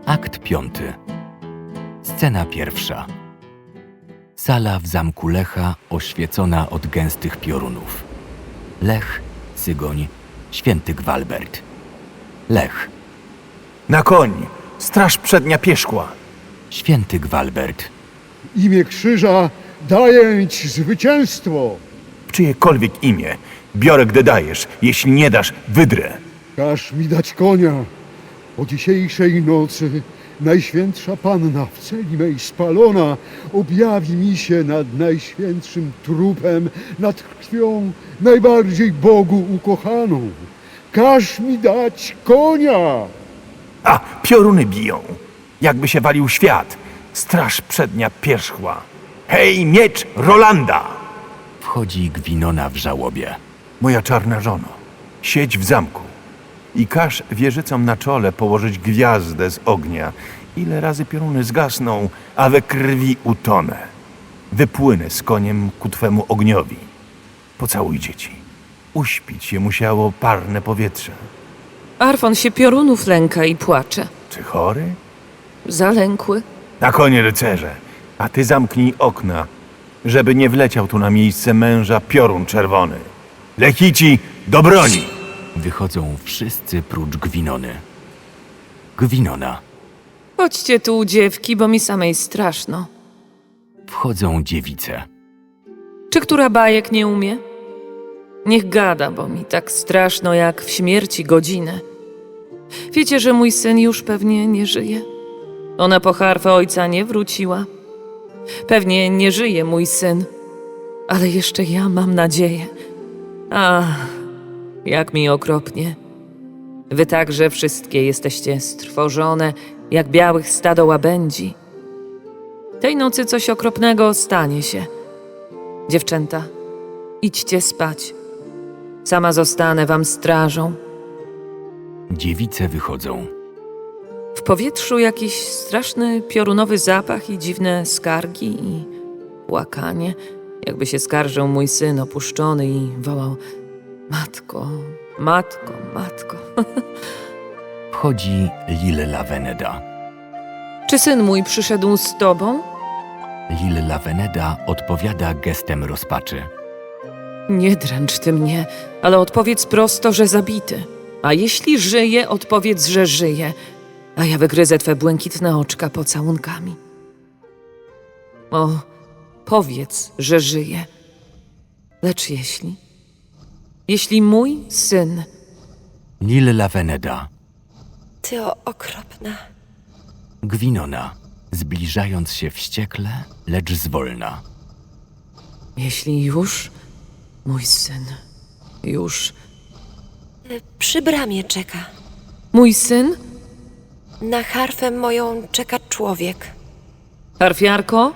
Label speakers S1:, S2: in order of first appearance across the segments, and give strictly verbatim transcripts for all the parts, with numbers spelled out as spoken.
S1: Akt piąty. Scena pierwsza. Sala w zamku Lecha oświecona od gęstych piorunów. Lech, Sygoń, święty Gwalbert. Lech.
S2: Na koń! Straż przednia pierzchła!
S1: Święty Gwalbert.
S3: Imię krzyża daję ci zwycięstwo.
S2: W czyjekolwiek imię biorę, gdy dajesz. Jeśli nie dasz, wydrę.
S3: Każ mi dać konia. O dzisiejszej nocy Najświętsza Panna w celi mej spalona objawi mi się nad najświętszym trupem, nad krwią najbardziej Bogu ukochaną. Każ mi dać konia.
S2: A, pioruny biją. Jakby się walił świat. Straż przednia pierzchła. Hej, miecz Rolanda!
S1: Wchodzi Gwinona w żałobie.
S2: Moja czarna żono, siedź w zamku i każ wieżycom na czole położyć gwiazdę z ognia. Ile razy pioruny zgasną, a we krwi utonę. Wypłynę z koniem ku twemu ogniowi. Pocałuj dzieci. Uśpić je musiało parne powietrze.
S4: Arfon się piorunów lęka i płacze.
S2: Czy chory?
S4: Zalękły.
S2: Na konie, rycerze, a ty zamknij okna, żeby nie wleciał tu na miejsce męża piorun czerwony. Lechici, do broni!
S1: Wychodzą wszyscy prócz Gwinony. Gwinona.
S4: Chodźcie tu, dziewki, bo mi samej straszno.
S1: Wchodzą dziewice.
S4: Czy która bajek nie umie? Niech gada, bo mi tak straszno jak w śmierci godzinę. Wiecie, że mój syn już pewnie nie żyje? Ona po harfę ojca nie wróciła. Pewnie nie żyje mój syn, ale jeszcze ja mam nadzieję. Ach, jak mi okropnie. Wy także wszystkie jesteście strwożone, jak białych stado łabędzi. Tej nocy coś okropnego stanie się. Dziewczęta, idźcie spać. Sama zostanę wam strażą.
S1: Dziewice wychodzą.
S4: W powietrzu jakiś straszny piorunowy zapach i dziwne skargi i płakanie. Jakby się skarżył mój syn opuszczony i wołał: matko, matko, matko.
S1: Wchodzi Lil Laveneda.
S4: Czy syn mój przyszedł z tobą?
S1: Lil Laveneda odpowiada gestem rozpaczy.
S4: Nie dręcz ty mnie, ale odpowiedz prosto, że zabity. A jeśli żyje, odpowiedz, że żyje, a ja wygryzę twe błękitne oczka pocałunkami. O, powiedz, że żyje. Lecz jeśli, jeśli mój syn...
S1: Lil Laveneda.
S5: Ty o, okropna.
S1: Gwinona, zbliżając się wściekle, lecz zwolna.
S4: Jeśli już, mój syn, już...
S5: Y, Przy bramie czeka.
S4: Mój syn?
S5: Na harfę moją czeka człowiek.
S4: Harfiarko?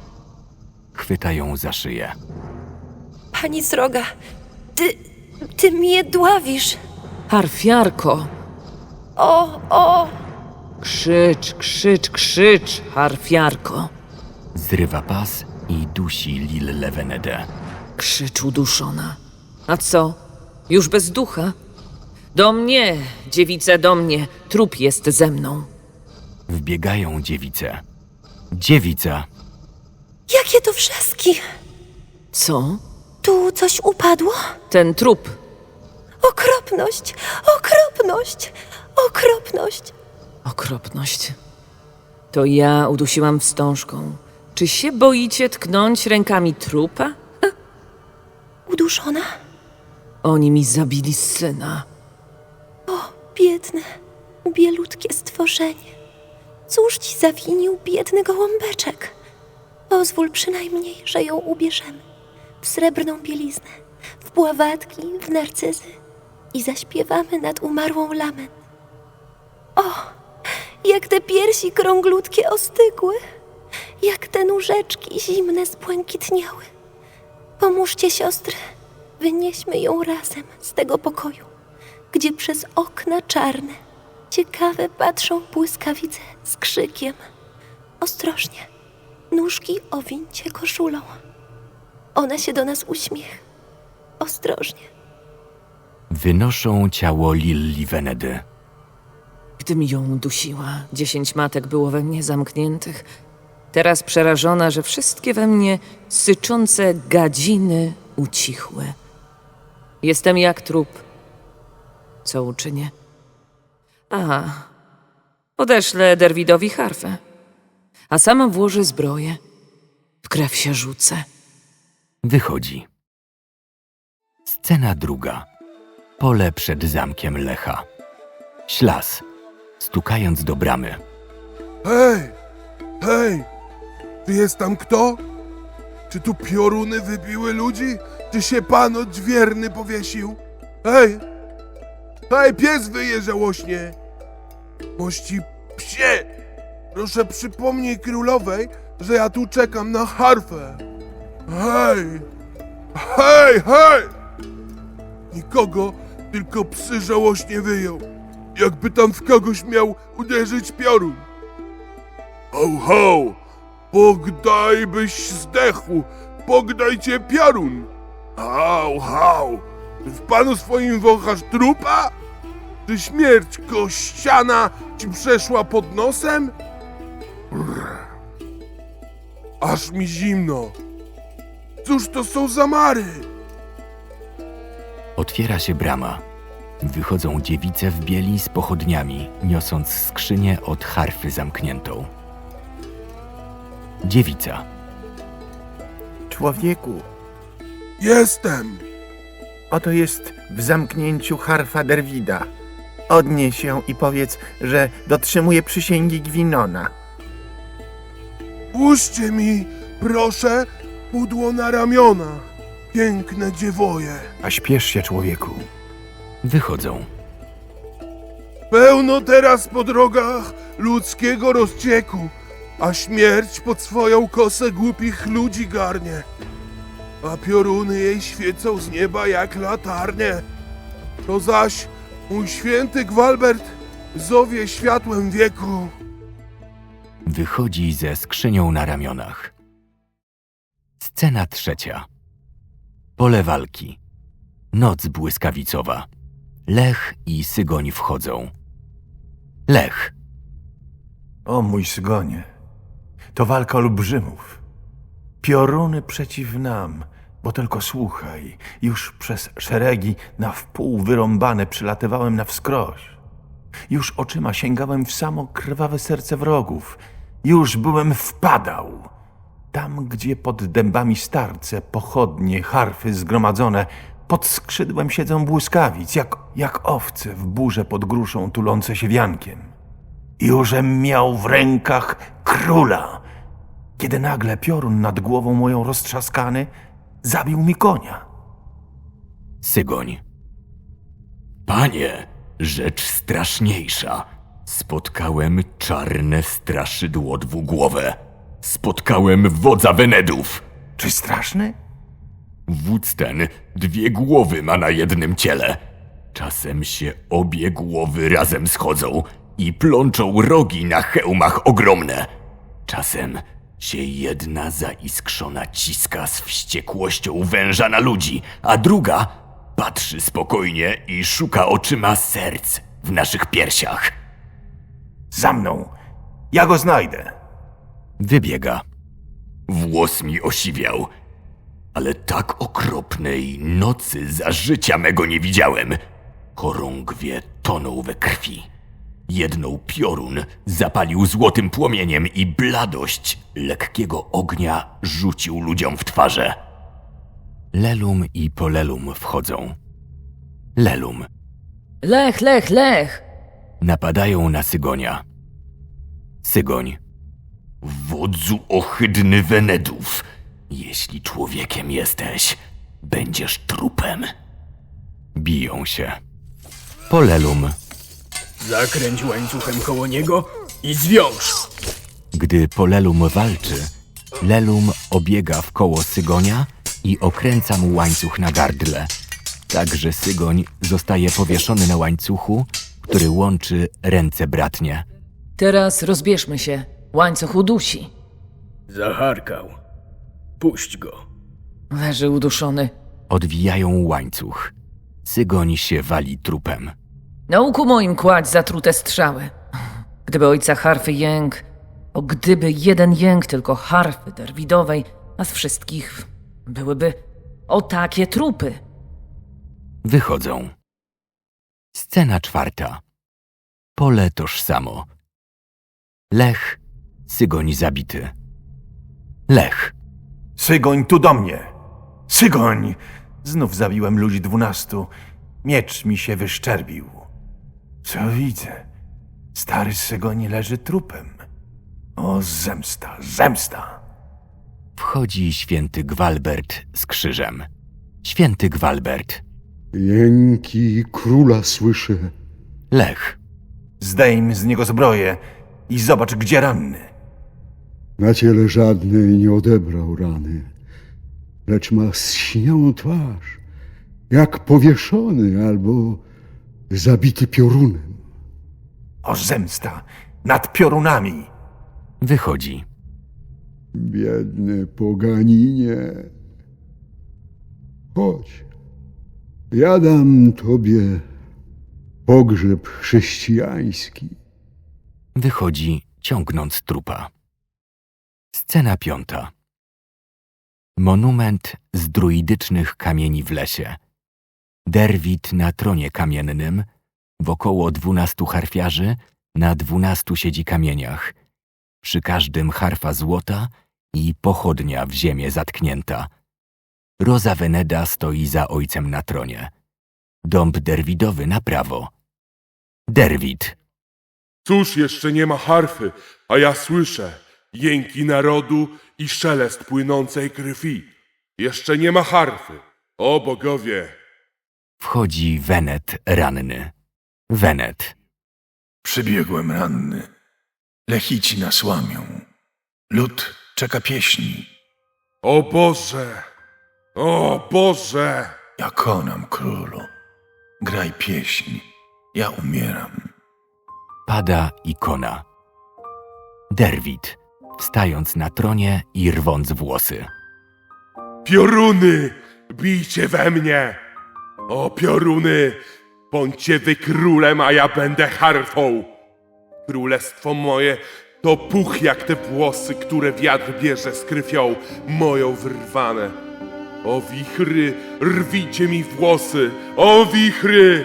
S1: Chwytają za szyję.
S5: Pani sroga, ty, ty mnie dławisz.
S4: Harfiarko!
S5: O, o,
S4: Krzycz, krzycz, krzycz, harfiarko!
S1: Zrywa pas i dusi Lil Lavenedę.
S4: Krzycz uduszona. A co? Już bez ducha? Do mnie, dziewice, do mnie. Trup jest ze mną.
S1: Wbiegają dziewice. Dziewica.
S5: jakie to wrzaski.
S4: Co?
S5: Tu coś upadło?
S4: Ten trup.
S5: Okropność, okropność, okropność.
S4: Okropność. To ja udusiłam wstążką. Czy się boicie tknąć rękami trupa?
S5: Uduszona?
S4: Oni mi zabili syna.
S5: O, biedne, bielutkie stworzenie. Cóż ci zawinił biedny gołąbeczek? Pozwól przynajmniej, że ją ubierzemy w srebrną bieliznę, w bławatki, w narcyzy i zaśpiewamy nad umarłą lament. O, jak te piersi krąglutkie ostygły, jak te nóżeczki zimne zbłękitniały. Pomóżcie, siostry, wynieśmy ją razem z tego pokoju, gdzie przez okna czarne, ciekawe patrzą błyskawice z krzykiem. Ostrożnie, nóżki owincie koszulą. Ona się do nas uśmiecha. Ostrożnie.
S1: Wynoszą ciało Lil Lavenedy.
S4: Gdy tym ją dusiła. Dziesięć matek było we mnie zamkniętych. Teraz przerażona, że wszystkie we mnie syczące gadziny ucichły. Jestem jak trup. Co uczynię? Aha, odeślę Derwidowi harfę, a sama włożę zbroję. W krew się rzucę.
S1: Wychodzi. Scena druga. Pole przed zamkiem Lecha. Ślas, stukając do bramy.
S6: Hej! Hej! Czy jest tam kto? Czy tu pioruny wybiły ludzi? Czy się pan odźwierny powiesił? Hej! Hej, pies wyje żałośnie! Mości psie! Proszę przypomnij królowej, że ja tu czekam na harfę. Hej! Hej, hej! Nikogo, tylko psy żałośnie wyją. Jakby tam w kogoś miał uderzyć piorun. Ho, ho! Pogdaj byś zdechł! Pogdaj cię piorun! Hał, hał! Czy w panu swoim wąchasz trupa? Czy śmierć kościana ci przeszła pod nosem? Brr. Aż mi zimno! Cóż to są za mary?
S1: Otwiera się brama. Wychodzą dziewice w bieli z pochodniami, niosąc skrzynię od harfy zamkniętą. Dziewica.
S2: Człowieku,
S6: Jestem!
S2: oto jest w zamknięciu harfa Derwida. Odnieś ją i powiedz, że dotrzymuje przysięgi Gwinona.
S6: Puśćcie mi, proszę, pudło na ramiona. Piękne dziewoje.
S2: A śpiesz się, człowieku.
S1: Wychodzą.
S6: Pełno teraz po drogach ludzkiego rozcieku, a śmierć pod swoją kosę głupich ludzi garnie. A pioruny jej świecą z nieba jak latarnie. To zaś mój święty Gwalbert zowie światłem wieku.
S1: Wychodzi ze skrzynią na ramionach. Scena trzecia. Pole walki. Noc błyskawicowa. Lech i Sygoń wchodzą. Lech.
S2: O mój Sygonie, to walka olbrzymów. Pioruny przeciw nam, bo tylko słuchaj, już przez szeregi na wpół wyrąbane przylatywałem na wskroś. Już oczyma sięgałem w samo krwawe serce wrogów. Już byłem wpadał. Tam, gdzie pod dębami starce, pochodnie, harfy zgromadzone, pod skrzydłem siedzą błyskawic, jak, jak owce w burze pod gruszą tulące się wiankiem. Jużem miał w rękach króla, kiedy nagle piorun nad głową moją roztrzaskany zabił mi konia.
S1: Sygoń. Panie, rzecz straszniejsza. Spotkałem czarne straszydło dwugłowe. Spotkałem wodza Wenedów.
S2: Czy straszny?
S1: Wódz ten dwie głowy ma na jednym ciele. Czasem się obie głowy razem schodzą i plączą rogi na hełmach ogromne. Czasem się jedna zaiskrzona ciska z wściekłością węża na ludzi, a druga patrzy spokojnie i szuka oczyma serc w naszych piersiach.
S2: Za mną! Ja go znajdę!
S1: Wybiega. Włos mi osiwiał, ale tak okropnej nocy za życia mego nie widziałem. Chorągwie tonął we krwi. Jedną piorun zapalił złotym płomieniem i bladość lekkiego ognia rzucił ludziom w twarze. Lelum i Polelum wchodzą. Lelum.
S4: Lech, Lech, Lech!
S1: Napadają na Sygonia. Sygoń. Wodzu ohydny Wenedów, jeśli człowiekiem jesteś, będziesz trupem. Biją się. Polelum.
S7: Zakręć łańcuchem koło niego i zwiąż.
S1: Gdy Polelum walczy, Lelum obiega w koło Sygonia i okręca mu łańcuch na gardle. Tak, że Sygoń zostaje powieszony na łańcuchu, który łączy ręce bratnie.
S4: Teraz rozbierzmy się. Łańcuch udusi.
S7: Zacharkał. Puść go.
S4: Leży uduszony.
S1: Odwijają łańcuch. Sygoń się wali trupem.
S4: Na łuku moim kładź zatrute strzały. Gdyby ojca harfy jęk, o gdyby jeden jęk tylko harfy derwidowej, a z wszystkich byłyby o takie trupy.
S1: Wychodzą. Scena czwarta. Pole tożsamo. Lech, Sygoń zabity. Lech.
S2: Sygoń tu do mnie! Sygoń! Znów zabiłem ludzi dwunastu. Miecz mi się wyszczerbił. Co widzę? Stary Sygoń leży trupem. O, zemsta, zemsta!
S1: Wchodzi święty Gwalbert z krzyżem. Święty Gwalbert.
S3: Jęki króla słyszę.
S1: Lech.
S2: Zdejm z niego zbroję i zobacz, gdzie ranny.
S3: Na ciele żadnej nie odebrał rany, lecz ma zsiniałą twarz, jak powieszony albo zabity piorunem.
S2: O, zemsta! Nad piorunami!
S1: Wychodzi.
S3: Biedny poganinie. Chodź, ja dam tobie pogrzeb chrześcijański.
S1: Wychodzi, ciągnąc trupa. Scena piąta. Monument z druidycznych kamieni w lesie. Derwit na tronie kamiennym, wokoło dwunastu harfiarzy, na dwunastu siedzi kamieniach. Przy każdym harfa złota i pochodnia w ziemię zatknięta. Roza Veneda stoi za ojcem na tronie. Dąb derwidowy na prawo. Derwit.
S6: Cóż jeszcze nie ma harfy, a ja słyszę jęki narodu i szelest płynącej krwi. Jeszcze nie ma harfy. O bogowie!
S1: Wchodzi Wenet ranny. Wenet.
S2: Przybiegłem ranny. Lechici nas łamią. Lud czeka pieśni.
S6: O Boże! O Boże!
S2: Ja konam, królu. Graj pieśń. Ja umieram.
S1: Pada ikona. Derwit, wstając na tronie i rwąc włosy.
S6: Pioruny! Bijcie we mnie! O pioruny! Bądźcie wy królem, a ja będę harfą! Królestwo moje to puch jak te włosy, które wiatr bierze z krwią moją wyrwane. O wichry, rwijcie mi włosy! O wichry!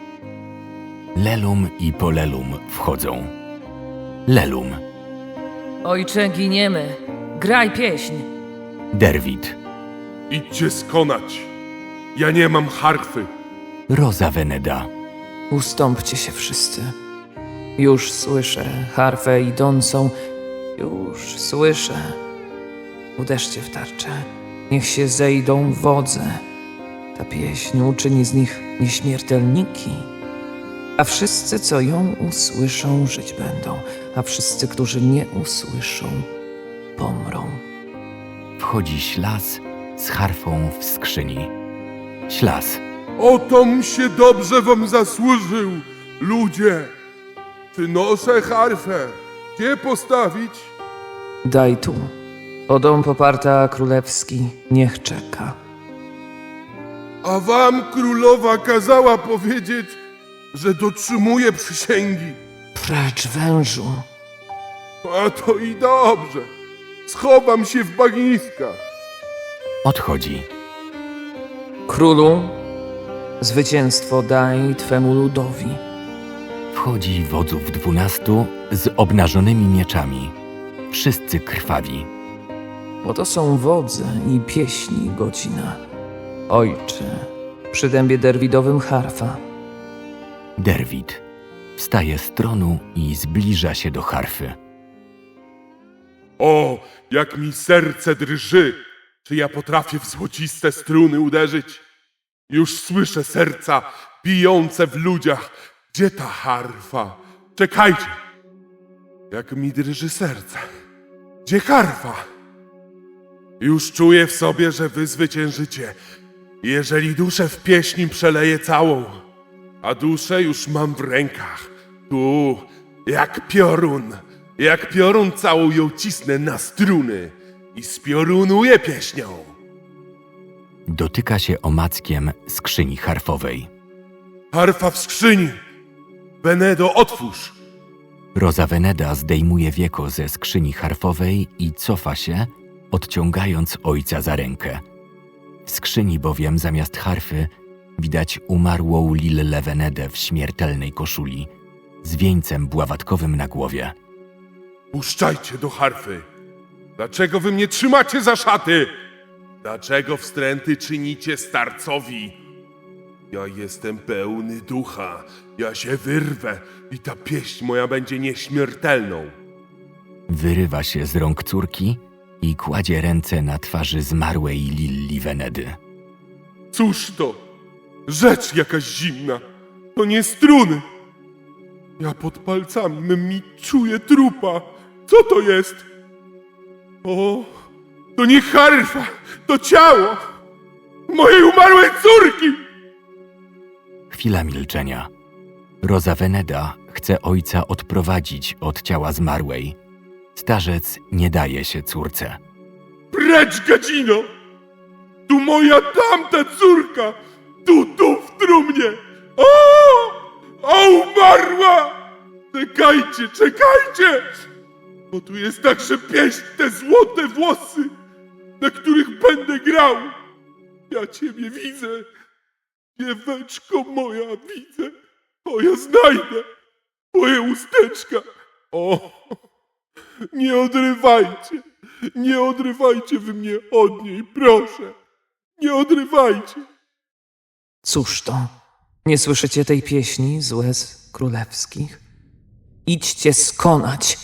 S1: Lelum i Polelum wchodzą. Lelum.
S4: Ojcze, giniemy. Graj pieśń.
S1: Derwit.
S6: Idźcie skonać! Ja nie mam harfy!
S1: Roza Veneda.
S4: Ustąpcie się wszyscy. Już słyszę harfę idącą. Już słyszę. Uderzcie w tarczę. Niech się zejdą wodze. Ta pieśń uczyni z nich nieśmiertelniki. A wszyscy, co ją usłyszą, żyć będą. A wszyscy, którzy nie usłyszą, pomrą.
S1: Wchodzi Ślas z harfą w skrzyni. Ślas.
S6: Otom się dobrze wam zasłużył, ludzie! Przynoszę harfę. Gdzie postawić?
S4: Daj tu. O dom poparta królewski niech czeka.
S6: A wam królowa kazała powiedzieć, że dotrzymuje przysięgi.
S4: Precz, wężu.
S6: A to i dobrze. Schowam się w bagniskach.
S1: Odchodzi.
S4: Królu, zwycięstwo daj twemu ludowi.
S1: Wchodzi wodzów dwunastu z obnażonymi mieczami. Wszyscy krwawi.
S4: Bo to są wodze i pieśni godzina. Ojcze, przy dębie derwidowym harfa.
S1: Derwit. Wstaje z tronu i zbliża się do harfy.
S6: O, jak mi serce drży! Czy ja potrafię w złociste struny uderzyć? Już słyszę serca bijące w ludziach. Gdzie ta harfa? Czekajcie! Jak mi drży serce. Gdzie harfa? Już czuję w sobie, że wy zwyciężycie. Jeżeli duszę w pieśni przeleję całą, a duszę już mam w rękach. Tu, jak piorun, jak piorun całą ją cisnę na struny i spiorunuję pieśnią.
S1: Dotyka się omackiem skrzyni harfowej.
S6: Harfa w skrzyni! Benedo, otwórz!
S1: Rosa Veneda zdejmuje wieko ze skrzyni harfowej i cofa się, odciągając ojca za rękę. W skrzyni bowiem zamiast harfy widać umarłą Lillę Venedę w śmiertelnej koszuli, z wieńcem bławatkowym na głowie.
S6: Puszczajcie do harfy! Dlaczego wy mnie trzymacie za szaty? Dlaczego wstręty czynicie starcowi? Ja jestem pełny ducha, ja się wyrwę i ta pieśń moja będzie nieśmiertelną.
S1: Wyrywa się z rąk córki i kładzie ręce na twarzy zmarłej Lilli Venedy.
S6: Cóż to? Rzecz jakaś zimna. To nie struny. Ja pod palcami mymi czuję trupa. Co to jest? O, to nie harfa, to ciało mojej umarłej córki!
S1: Chwila milczenia. Rosa Veneda chce ojca odprowadzić od ciała zmarłej. Starzec nie daje się córce.
S6: Precz, gadzino! Tu moja tamta córka! Tu, tu w trumnie! O! O, umarła! Czekajcie, czekajcie! Bo tu jest także pieśń, te złote włosy, na których będę grał. Ja ciebie widzę, dzieweczko moja, widzę. O, ja znajdę twoje usteczka. O, nie odrywajcie, nie odrywajcie wy mnie od niej, proszę. Nie odrywajcie.
S4: Cóż to? Nie słyszycie tej pieśni z łez królewskich? Idźcie skonać.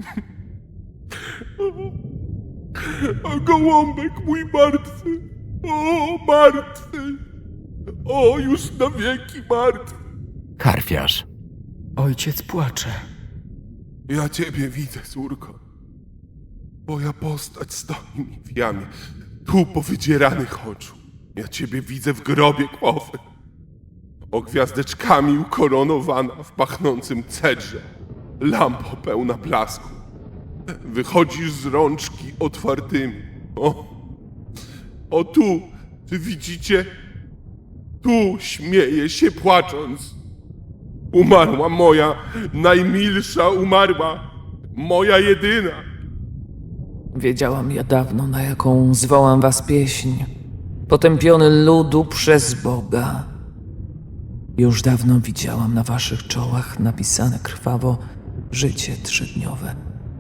S6: A gołąbek mój martwy, o, martwy. O, już na wieki martwy.
S1: Harfiarz.
S7: Ojciec płacze.
S6: Ja ciebie widzę, córko. Twoja postać stoi mi w jamie, tu powydzieranych oczu. Ja ciebie widzę w grobie kłowy, o gwiazdeczkami ukoronowana w pachnącym cedrze, lampo pełna blasku. Wychodzisz z rączki otwartymi. O, o tu, czy widzicie? Tu śmieje się płacząc. Umarła moja, najmilsza umarła, moja jedyna.
S4: Wiedziałam ja dawno, na jaką zwołam was pieśń. Potępiony ludu przez Boga. Już dawno widziałam na waszych czołach napisane krwawo życie trzydniowe.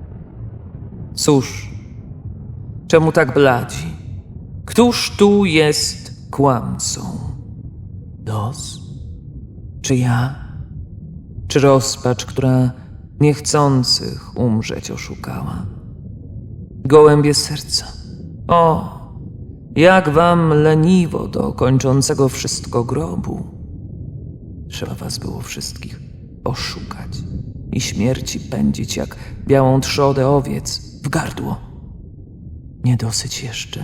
S4: Cóż, czemu tak bladzi? Któż tu jest kłamcą? Los? Czy ja? Czy rozpacz, która niechcących umrzeć oszukała? Gołębie serca. O, jak wam leniwo do kończącego wszystko grobu. Trzeba was było wszystkich oszukać i śmierci pędzić jak białą trzodę owiec w gardło. Nie dosyć jeszcze.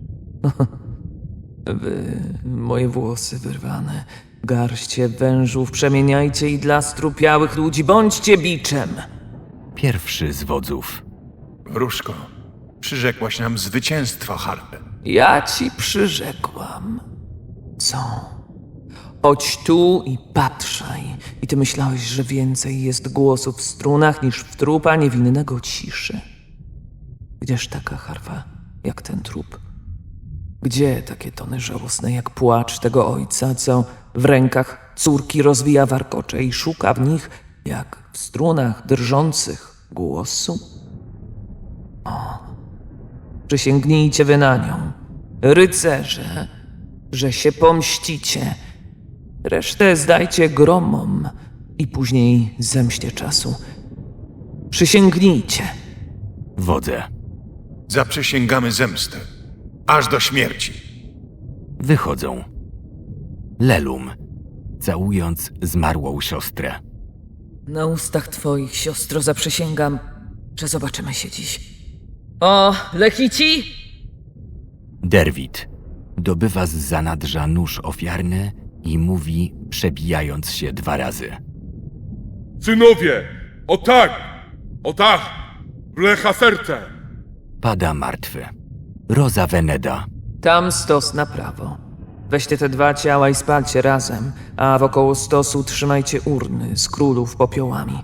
S4: Wy, moje włosy wyrwane, garście wężów przemieniajcie i dla strupiałych ludzi bądźcie biczem.
S1: Pierwszy z wodzów.
S2: Wróżko, przyrzekłaś nam zwycięstwo harpy.
S4: Ja ci przyrzekłam. Co? Chodź tu i patrzaj. I ty myślałeś, że więcej jest głosów w strunach niż w trupa niewinnego ciszy. Gdzież taka harfa, jak ten trup? Gdzie takie tony żałosne, jak płacz tego ojca, co w rękach córki rozwija warkocze i szuka w nich, jak w strunach drżących, głosu? O, przysięgnijcie wy na nią, rycerze, że się pomścicie. Resztę zdajcie gromom i później zemście czasu. Przysięgnijcie.
S1: Wodze.
S2: Zaprzysięgamy zemstę, aż do śmierci.
S1: Wychodzą. Lelum, całując zmarłą siostrę.
S4: Na ustach twoich, siostro, zaprzysięgam, że zobaczymy się dziś. O, Lechici!
S1: Derwit dobywa z zanadrza nóż ofiarny i mówi, przebijając się dwa razy.
S6: Synowie, o tak, o tak, wlecha serce.
S1: Pada martwy. Rosa Veneda.
S4: Tam stos na prawo. Weźcie te dwa ciała i spalcie razem, a wokoło stosu trzymajcie urny z królów popiołami.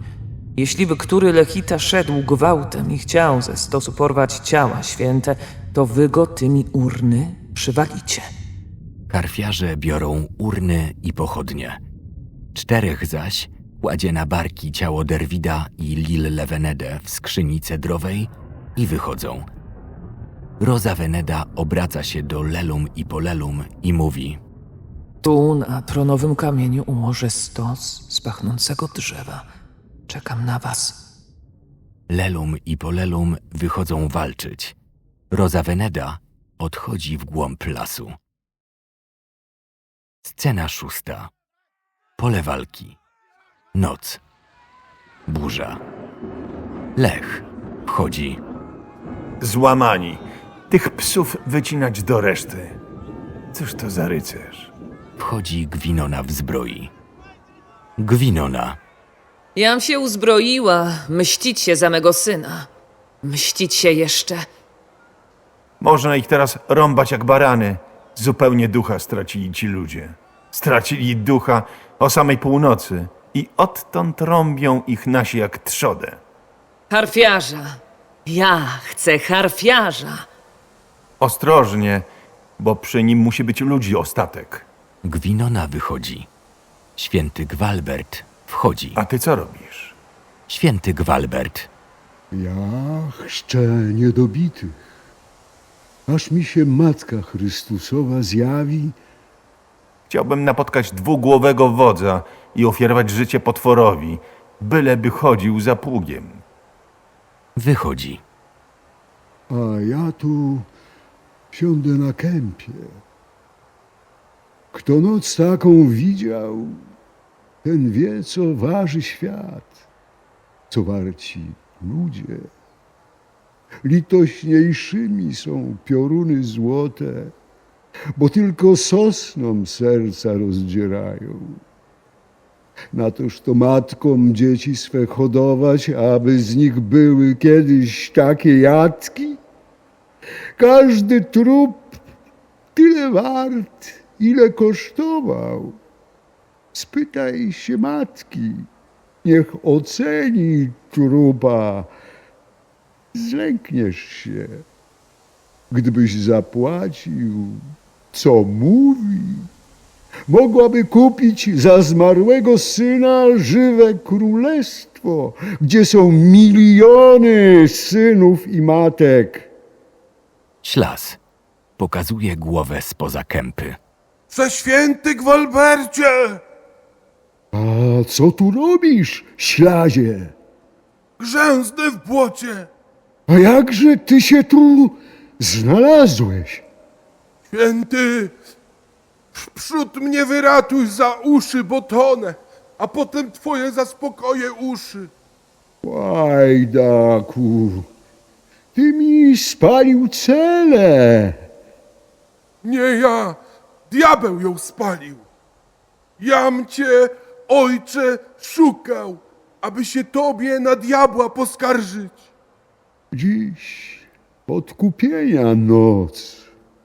S4: Jeśliby który Lechita szedł gwałtem i chciał ze stosu porwać ciała święte, to wy go tymi urny przywalicie.
S1: Karfiarze biorą urny i pochodnie. Czterech zaś kładzie na barki ciało Derwida i Lil Levenede w skrzyni cedrowej i wychodzą. Roza Veneda obraca się do Lelum i Polelum i mówi:
S4: Tu na tronowym kamieniu ułożę stos z pachnącego drzewa. Czekam na was.
S1: Lelum i Polelum wychodzą walczyć. Roza Veneda odchodzi w głąb lasu. Scena szósta. Pole walki. Noc. Burza. Lech wchodzi.
S2: Złamani. Tych psów wycinać do reszty. Cóż to za rycerz?
S1: Wchodzi Gwinona w zbroi. Gwinona.
S4: Jam się uzbroiła, mścić się za mego syna. Mścić się jeszcze.
S2: Można ich teraz rąbać jak barany. Zupełnie ducha stracili ci ludzie. Stracili ducha o samej północy i odtąd rąbią ich nasi jak trzodę.
S4: Harfiarza. Ja chcę harfiarza.
S2: Ostrożnie, bo przy nim musi być ludzi ostatek.
S1: Gwinona wychodzi. Święty Gwalbert wchodzi.
S2: A ty co robisz?
S1: Święty Gwalbert.
S3: Ja chrzczę niedobitych, aż mi się Matka Chrystusowa zjawi.
S2: Chciałbym napotkać dwugłowego wodza i ofiarować życie potworowi, byleby chodził za pługiem.
S1: Wychodzi.
S3: A ja tu siądę na kępie. Kto noc taką widział, ten wie, co waży świat, co warci ludzie. Litośniejszymi są pioruny złote, bo tylko sosnom serca rozdzierają. Na toż to matkom dzieci swe hodować, aby z nich były kiedyś takie jatki? Każdy trup tyle wart, ile kosztował. Spytaj się matki, niech oceni trupa. Zlękniesz się, gdybyś zapłacił, co mówi. Mogłaby kupić za zmarłego syna żywe królestwo, gdzie są miliony synów i matek.
S1: Ślas. Pokazuje głowę spoza kępy.
S6: Prześwięty Gwalbercie!
S3: A co tu robisz, ślazie?
S6: Grzęznę w błocie!
S3: A jakże ty się tu znalazłeś?
S6: Święty, wprzód mnie wyratuj za uszy, bo tonę, a potem twoje zaspokoję uszy.
S3: Łajdaku, ty mi spalił cele.
S6: Nie ja, diabeł ją spalił. Jam cię, ojcze, szukał, aby się tobie na diabła poskarżyć.
S3: Dziś podkupienia noc.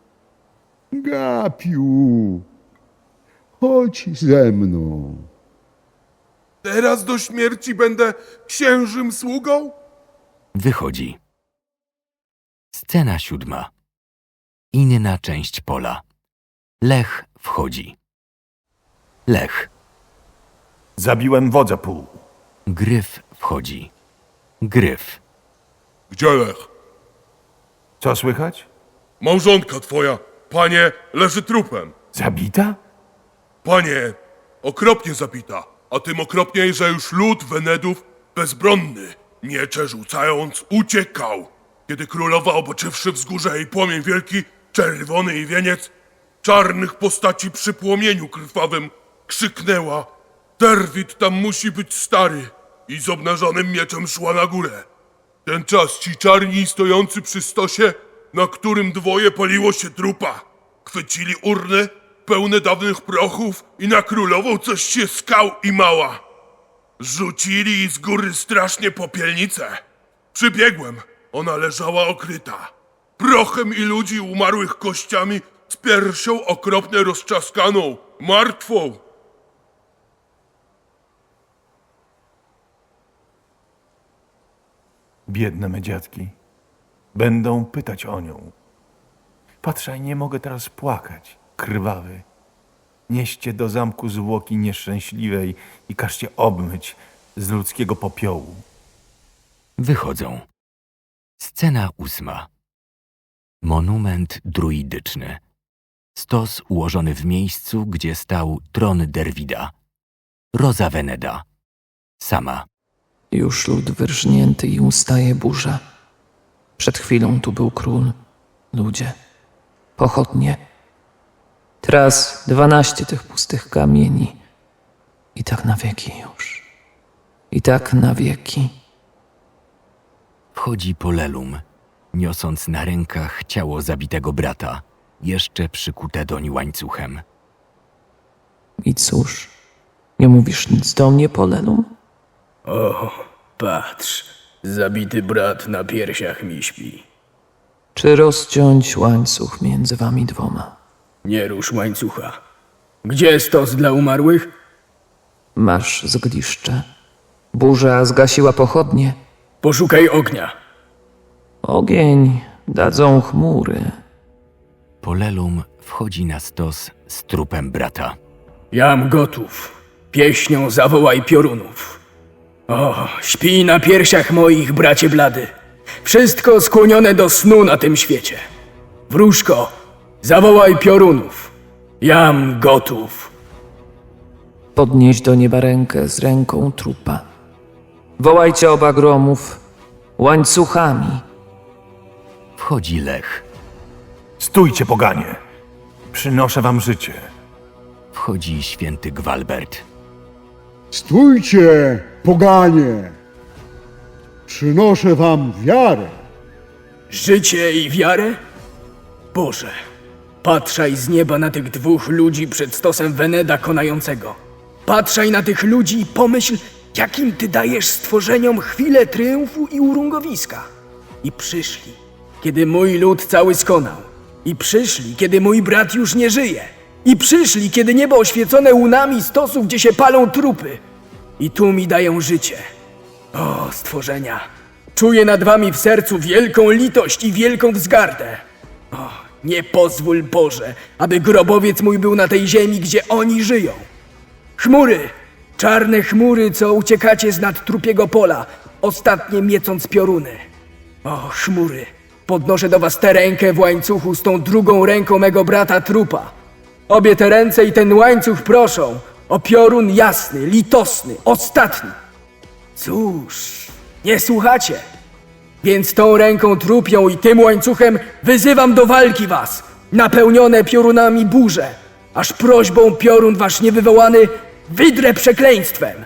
S3: Gapiu, chodź ze mną.
S6: Teraz do śmierci będę księżym sługą?
S1: Wychodzi. Scena siódma. Inna część pola. Lech wchodzi. Lech.
S2: Zabiłem wodza pół.
S1: Gryf wchodzi. Gryf.
S6: Gdzie Lech?
S2: Co słychać?
S6: Małżonka twoja, panie, leży trupem.
S2: Zabita?
S6: Panie, okropnie zabita, a tym okropniej, że już lud Wenedów bezbronny, miecze rzucając, uciekał. Kiedy królowa, oboczywszy wzgórze i płomień wielki, czerwony i wieniec, czarnych postaci przy płomieniu krwawym, krzyknęła: Derwid tam musi być stary! I z obnażonym mieczem szła na górę. Ten czas ci czarni stojący przy stosie, na którym dwoje paliło się trupa, chwycili urny pełne dawnych prochów i na królową coś się skał i mała. Rzucili z góry strasznie popielnicę. Przybiegłem, ona leżała okryta. Prochem i ludzi umarłych kościami, z piersią okropnie rozczaskaną, martwą.
S2: biedne me dziadki. Będą pytać o nią. Patrzaj, nie mogę teraz płakać, krwawy. Nieście do zamku zwłoki nieszczęśliwej i każcie obmyć z ludzkiego popiołu.
S1: Wychodzą. Scena ósma. Monument druidyczny. Stos ułożony w miejscu, gdzie stał tron Derwida. Roza Veneda. Sama.
S4: Już lud wyrżnięty i ustaje burza. Przed chwilą tu był król, ludzie, pochodnie. Teraz dwanaście tych pustych kamieni. I tak na wieki już. I tak na wieki.
S1: Wchodzi Polelum, niosąc na rękach ciało zabitego brata, jeszcze przykute doń łańcuchem.
S4: I cóż, nie mówisz nic do mnie, Polelum?
S7: O, patrz, zabity brat na piersiach mi śpi.
S4: Czy rozciąć łańcuch między wami dwoma?
S7: Nie rusz łańcucha. Gdzie stos dla umarłych?
S4: Masz zgliszcze. Burza zgasiła pochodnie.
S7: Poszukaj ognia.
S4: Ogień dadzą chmury.
S1: Polelum wchodzi na stos z trupem brata.
S7: Jam gotów. Pieśnią zawołaj piorunów. O, śpij na piersiach moich, bracie blady. Wszystko skłonione do snu na tym świecie. Wróżko, zawołaj piorunów. Jam gotów.
S4: Podnieś do nieba rękę z ręką trupa. Wołajcie oba gromów łańcuchami.
S1: Wchodzi Lech.
S2: Stójcie, poganie! Przynoszę wam życie.
S1: Wchodzi święty Gwalbert.
S3: Stójcie, poganie! Przynoszę wam wiarę.
S7: Życie i wiarę? Boże, patrzaj z nieba na tych dwóch ludzi przed stosem Veneda konającego. Patrzaj na tych ludzi i pomyśl, jakim ty dajesz stworzeniom chwilę triumfu i urungowiska. I przyszli, kiedy mój lud cały skonał. I przyszli, kiedy mój brat już nie żyje. I przyszli, kiedy niebo oświecone łunami stosów, gdzie się palą trupy. I tu mi dają życie. O, stworzenia, czuję nad wami w sercu wielką litość i wielką wzgardę. O, nie pozwól, Boże, aby grobowiec mój był na tej ziemi, gdzie oni żyją. Chmury, czarne chmury, co uciekacie z nad trupiego pola, ostatnie miecąc pioruny. O, chmury, podnoszę do was tę rękę w łańcuchu z tą drugą ręką mego brata trupa. Obie te ręce i ten łańcuch proszą o piorun jasny, litosny, ostatni. Cóż, nie słuchacie. Więc tą ręką trupią i tym łańcuchem wyzywam do walki was, napełnione piorunami burze, aż prośbą piorun wasz niewywołany wydrę przekleństwem.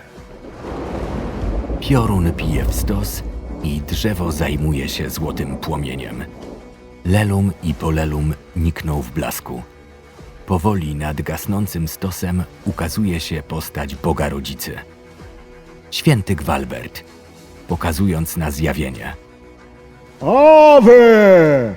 S1: Piorun pije w stos i drzewo zajmuje się złotym płomieniem. Lelum i Polelum nikną w blasku. Powoli nad gasnącym stosem ukazuje się postać Boga Rodzicy. Święty Gwalbert, pokazując na zjawienie.
S3: Awe!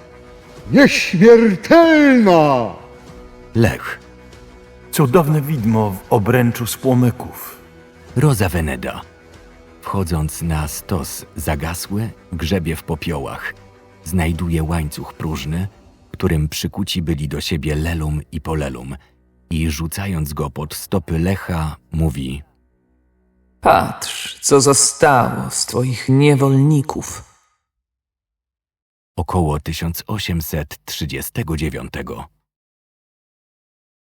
S3: Nieśmiertelna!
S1: Lech,
S2: Cudowne widmo w obręczu z płomyków.
S1: Roza Veneda. Wchodząc na stos zagasły, grzebie w popiołach. Znajduje łańcuch próżny, którym przykuci byli do siebie Lelum i Polelum i rzucając go pod stopy Lecha, mówi:
S4: Patrz, co zostało z twoich niewolników.
S1: Około tysiąc osiemset trzydziestego dziewiątego.